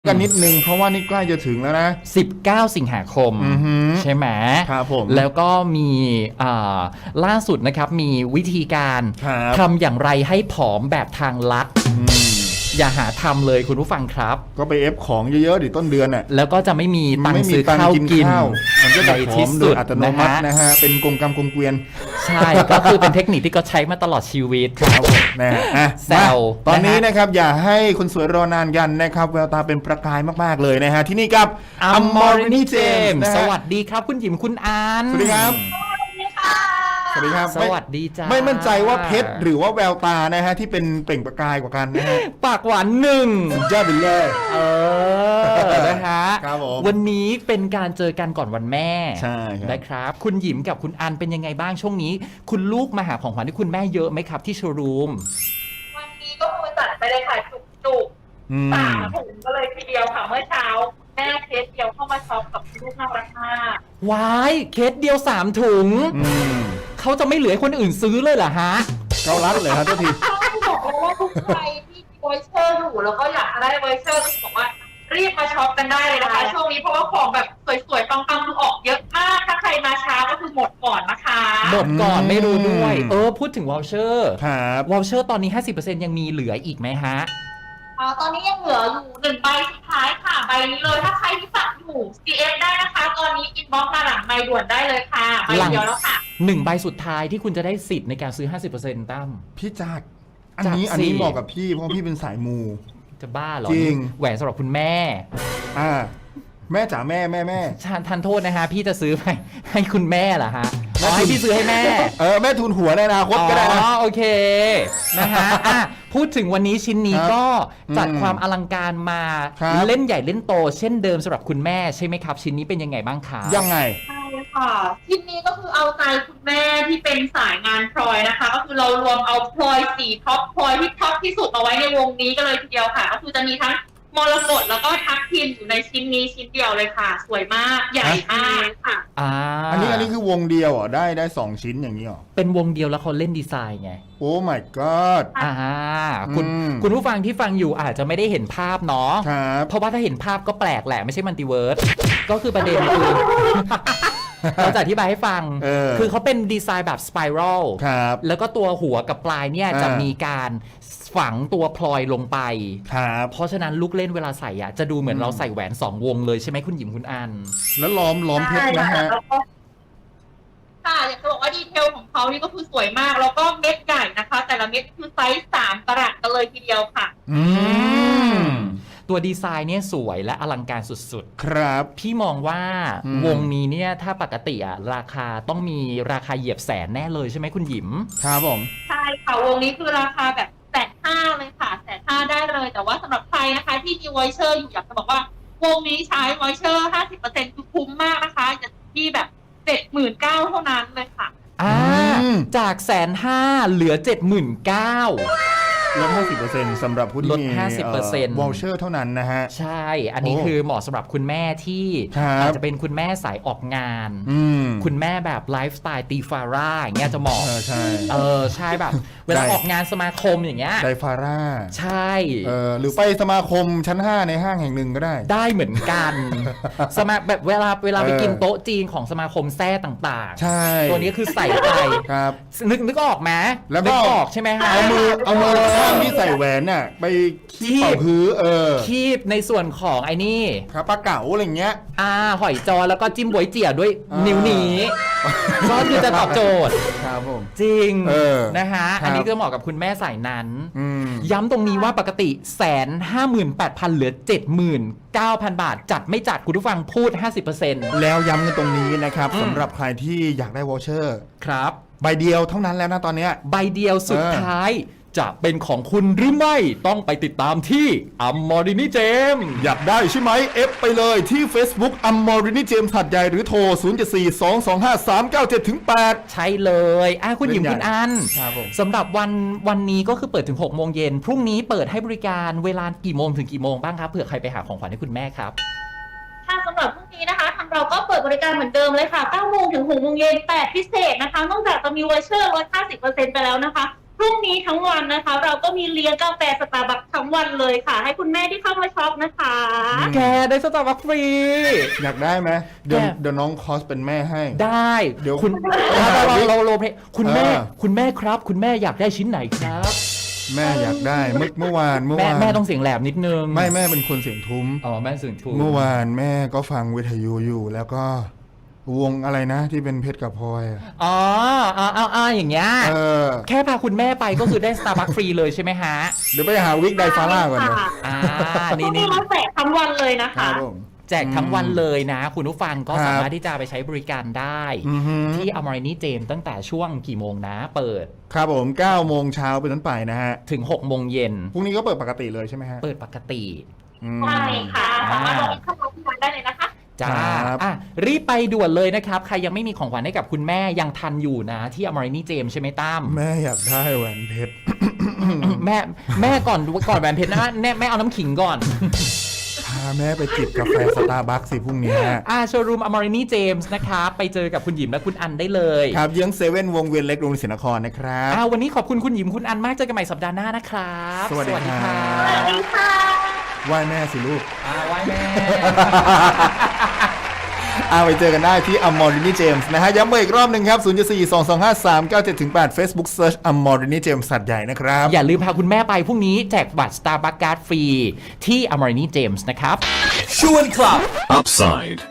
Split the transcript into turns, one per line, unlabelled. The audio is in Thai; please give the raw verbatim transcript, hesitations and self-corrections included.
กันนิดนึงเพราะว่านี่ใกล้จะถึงแล้วนะ
สิบเก้าสิงหาคมใช่ไหม
ครับผม
แล้วก็มีล่าสุดนะครับมีวิธีการทำอย่างไรให้ผอมแบบทางลัดอย่าหาทำเลยคุณผู้ฟังครับ
ก็ไปเอฟของเยอะๆดิต้นเดือนน่ะ
แล้วก็จะไม่มีตังค์ซื้อข้าวกิน
มันก็จะผอมโดยอัตโนมัตินะฮะเป็นกลมกรรมกลมเกวียน
ใช่ก็คือเป็นเทคนิคที่ก็ใช้มาตลอดชีวิต
ครับนะฮะแซวตอนนี้นะครับอย่าให้คนสวยรอนานกันนะครับแววตาเป็นประกายมากๆเลยนะฮะที่นี่กับ
Amorini James สวัสดีครับคุณหยิมคุณอัน
สวัสดีครับสวัสดีครับ
สวัสดีจ้า
ไม่มั่นใจว่าเพชรหรือว่าแววตานะฮะที่เป็นเปล่งประกายกว่ากันนะฮะ
ปากหวานหนึ่ง
ยอดไปเลย
เออนะฮะวันนี้เป็นการเจอกันก่อนวันแม่
ใช่
นะครับคุณหยิมกับคุณอันเป็นยังไงบ้างช่วงนี้คุณลูกมาหาของขวัญที่คุณแม่เยอะไหมครับที่โชว์รูม
วันนี้ก็คือจัดไปเลยค่ะจุกๆสามถุงก็เลยทีเดียวค่ะเมื่อเช้าแม่เคสเดียวเข้ามาช็อปกับลูกน่ารักมาก
ว้ายเคสเดียวสามถุงเขาจะไม่เหลือคนอื่นซื้อเลยเหรอฮะ
เขารัดเลยครับทุกที
เขาบอกเลยว่าทุกใครที่มีไวเชอร์อยู่แล้วก็อยากจะได้ไวเชอร์ก็บอกว่ารีบมาช็อปกันได้เลยนะคะช่วงนี้เพราะว่าของแบบสวยๆปังๆคือออกเยอะมากถ้าใครมาช้าก็คือหมดก่อนนะคะ
หมดก่อนไม่รู้ด้วยเออพูดถึงวอลเชอร์
ครับ
วอลเชอร์ตอนนี้ ห้าสิบเปอร์เซ็นต์ ยังมีเหลืออีกไหมฮะ
ตอนนี้ยังเหลืออยู่หนึ่งใบสุดท้ายค่ะใบนี้เลยถ้าใครที่ฝากอยู่ ซี เอฟ ได้นะคะตอนนี้อินบ็อกซ์มาหลังไมค์ด่วนได้เลยค่ะใบเดียวแล้วค่ะ
หนึ่งใบสุดท้ายที่คุณจะได้สิทธิ์ในการซื้อ ห้าสิบเปอร์เซ็นต์ ตั้ม
พี่จัดอันนี้อันนี้เหมาะกับพี่เพราะพี่เป็นสายมู
จะบ้าเหรอ
จริง
แหวนสำหรับคุณแม่
อ่าแม่จ๋าแม่แม่แม่
ทานโทษนะฮะพี่จะซื้อไปให้คุณแม่เหรอฮะให้พี่ซื้อให้แม่
เออแม่ทุนหัวในอนาคตก็ได้นะ
อ๋อโอเคนะฮะพูดถึงวันนี้ชิ้นนี้ก็จัดความอลังการมาเล่นใหญ่เล่นโตเช่นเดิมสำหรับคุณแม่ใช่ไหมครับชิ้นนี้เป็นยังไงบ้างคะ
ยังไง
ใช่ค่ะชิ้นนี้ก็คือเอาใจคุณแม่ที่เป็นสายงานพลอยนะคะก็คือเรารวมเอาพลอยสีท็อปพลอยที่ท็อปที่สุดเอาไว้ในวงนี้กันเลยทีเดียวค่ะก็คือจะมีทั้งมรกตแล้วก็ทับทิมอยู่ในชิ้นนี้ชิ้นเดียวเลยค่ะสวยมากใหญ่มากค่ะ
อ่า
อันนี้อันนี้คือวงเดียวเหรอได้ได้สองชิ้นอย่างนี้เหรอ
เป็นวงเดียวแล้วเขาเล่นดีไซน์ไง
โอ้ my god
อ่าคุณคุณผู้ฟังที่ฟังอยู่อาจจะไม่ได้เห็นภาพเนาะเพราะว่าถ้าเห็นภาพก็แปลกแหละไม่ใช่มัลติเวิร์สก็คือประเด็นคือเราจะอธิบายให้ฟังคือเขาเป็นดีไซน์แบบสไปรัลแล้วก็ตัวหัวกับปลายเนี่ยจะมีการฝังตัวพลอยลงไปเพราะฉะนั้นลูกเล่นเวลาใส่อ่ะจะดูเหมือนเราใส่แหวนสองวงเลยใช่ไหมคุณหยิมคุณอัน
แล้วล้อมล้อมเพชรนะฮะ
ค่ะอยากจะบอกว่าดีเทลของเขานี่ก็คือสวยมากแล้วก็เม็ดใหญ่นะคะแต่ละเม็ดคือไซส์สามกะรัตกันเลยทีเดียวค่ะ
อืมตัวดีไซน์เนี่ยสวยและอลังการสุด
ๆครับ
พี่มองว่าวงนี้เนี่ยถ้าปกติอ่ะราคาต้องมีราคาเหยียบแสนแน่เลยใช่ไหมคุณหยิม
ครับผม
ใช่ค่ะวงนี้คือราคาแบบแสนห้าเลยค่ะแสนห้าได้เลยแต่ว่าสำหรับใครนะคะที่มีไวเชอร์อยู่อยากจะบอกว่าวงนี้ใช้ไวเชอร์ ห้าสิบเปอร์เซ็นต์ คือคุ้มมากนะคะจะที่แบบ เจ็ดหมื่นเก้าพัน เท่านั้นเลยค่ะ
อ่าจากแสนห้าเหลือ เจ็ดหมื่นเก้าพัน
ลด ห้าสิบเปอร์เซ็นต์ สำหรับผู้ที่
ลด ห้าสิบเปอร์เซ็นต์
วอลเชอร์เท่านั้นนะฮะ
ใช่อันนี้คือเหมาะสำหรับคุณแม่ที่อาจจะเป็นคุณแม่สายออกงานคุณแม่แบบไลฟ์สไตล์ตีฟาร่าอย่างเงี้ยจะเหมาะ
ใช่
เออใช่แบบเวลาออกงานสมาคมอย่างเงี้ย
ไดฟาร่า
ใช่
เออหรือไปสมาคมชั้นห้าในห้างแห่งหนึ่งก็ได้
ได้เหมือนกันสมาแบบเวลาเวลาไปกินโต๊ะจีนของสมาคมแซ่ต่าง
ๆใช่
ตัวนี้คือใส่ไป
ครับ
นึกนึกออกไหม
แล้วก็
ออกใช่ไหมฮะ
เอามือเอามือข้างที่ใส่แหวนน่ะไปคีบพื้นเออ
คีบในส่วนของไอ้นี่
ครับปลาเก๋าอะไรเงี้ย
อ่าหอยจอแล้วก็จิ้มบวยเจี๋ยด้วยนิ้วนี้ก็คือจะตอบโจทย์
ครับผม
จริงนะฮะอันนี้ก็เหมาะกับคุณแม่สายนั้นย้ำตรงนี้ว่าปกติแสนห้าหมื่นแปดพันเหลือเจ็ดหมื่นเก้าพันบาทจัดไม่จัดคุณผู้ฟังพูด ห้าสิบเปอร์เซ็นต์
แล้วย้ำกันตรงนี้นะครับสำหรับใครที่อยากได้วอเชอร์
ครับ
ใบเดียวเท่านั้นแล้วนะตอนนี้
ใบเดียวสุดท้ายจะเป็นของคุณหรือไม่ต้องไปติดตามที่ Amorini James
อยากได้ใช่ไหมเอฟไปเลยที่ Facebook Amorini James หัดใหญ่หรือโทรศูนย์ เจ็ด สี่ สอง สอง ห้า สาม เก้า เจ็ด ถึง แปด
ใช่เลยอ่ะคุณหยิมคุณอันสำหรับวันวันนี้ก็คือเปิดถึงหกโมงเย็นพรุ่งนี้เปิดให้บริการเวลากี่โมงถึงกี่โมงบ้างครับเผื่อใครไปหาของขวัญให้คุณแม่ครับ
ค่ะสำหรับพรุ่งนี้นะคะทางเราก็เปิดบริการเหมือนเดิมเลยค่ะเก้าโมงถึงหกโมงเย็นแต่พิเศษนะคะนอกจากจะมีไวเชอร์ลด ห้าสิบเปอร์เซ็นต์ ไปแล้วนะคะพรุ่งนี้ทั้งวันนะคะ เราก็มีเลี้ยงกาแฟสตาร์บัคทั้งวันเลยค่ะ ให้คุณแม่ที่เข้ามาช็อปนะคะ
แกได้สตาร์บัคฟรี
อยากได้ไหมเดี๋ยว
แก
เดี๋ยวน้องคอสเป็นแม่ให้
ได้
เดี๋ยว
คุณเราเราเราเราคุณแม่
เออ
คุณแม่ครับ คุณแม่อยากได้ชิ้นไหนครับ
แม่อยากได้เมื่อเมื่อวานเมื่อ
แม่
วาน
แม่ต้องเสียงแหลมนิดนึง
ไม่แม่เป็นคนเสียงทุ้ม
อ๋อแม่เสียงถูก
เมื่อวานแม่ก็ฟังวิทยุอยู่แล้วก็วงอะไรนะที่เป็นเพชรกับพลอยอะ
อ๋ออ๋ออ๋ออ๋ออย่างเงี้ย
เออ
แค่พาคุณแม่ไปก็คือได้สตาร์บัคฟรีเลยใช่ไหมฮะ
เดี๋ยวไปหาวิกไดฟาร่าก่อนเดี๋ยว
ค่ะ
อ่า
พ
นี่
รุ่งนี้
นี่
เราแจกทั้งวันเลยนะ
ครั
คะ
บผม
แจกทั้งวันเลยนะ คุณผู้ฟังก็
ครับ
สามารถที่จะไปใช้บริการได้
อือฮึ
ที่อมรินีเจมตั้งแต่ช่วงกี่โมงนะ เปิด
ครับผมเก้าโมงเช้าเป็นต้นไปนะฮะ
ถึงหกโมงเย็น
พรุ่งนี้ก็เปิดปกติเลยใช่ไหมฮะ
เปิดปกติ
อืม
ใช่ค่ะสามารถลงเข้ามาที่ร้านได้เลยนะคะ
จ้า
ครับ
อ่ะรีบไปด่วนเลยนะครับ ใครยังไม่มีของขวัญให้กับคุณแม่ยังทันอยู่นะที่อมรินีเจมใช่ไหมตั้ม
แม่อยากได้แหวนเพชร
แม่แม่ก่อนก่อนแหวนเพชรนะแม่แม่เอาน้ำขิงก่อน
พาแม่ไปจิบกาแฟสตาร์บัคสิพรุ่งนี้ฮะ
อ่าโชว์รูมอมรินีเจมส์นะครับไปเจอกับคุณหยิมและคุณอันได้เลย
ครับเยื้องเซเว่นวงเวียนเล็กโรงเรียนศรีนครนะครับ
อ่าวันนี้ขอบคุณคุณหยิมคุณอันมากเจอกันใหม่สัปดาห์หน้านะครับ
สวัสดีครับ
สวัสดีค่ะ
ไหว้แม่สิลูก
อ่าไหว้แม่
เอาไปเจอกันได้ที่ Amorini James นะฮะย้ำเบอร์อีกรอบหนึ่งครับ ศูนย์ สี่ สอง สอง ห้า สาม เก้า เจ็ด แปด Facebook Search Amorini James สัตว์ใหญ่นะครับ
อย่าลืมพาคุณแม่ไปพรุ่งนี้แจกบัตร Starbucks Card ฟรีที่ Amorini James นะครับ
ชวนคลับ Upside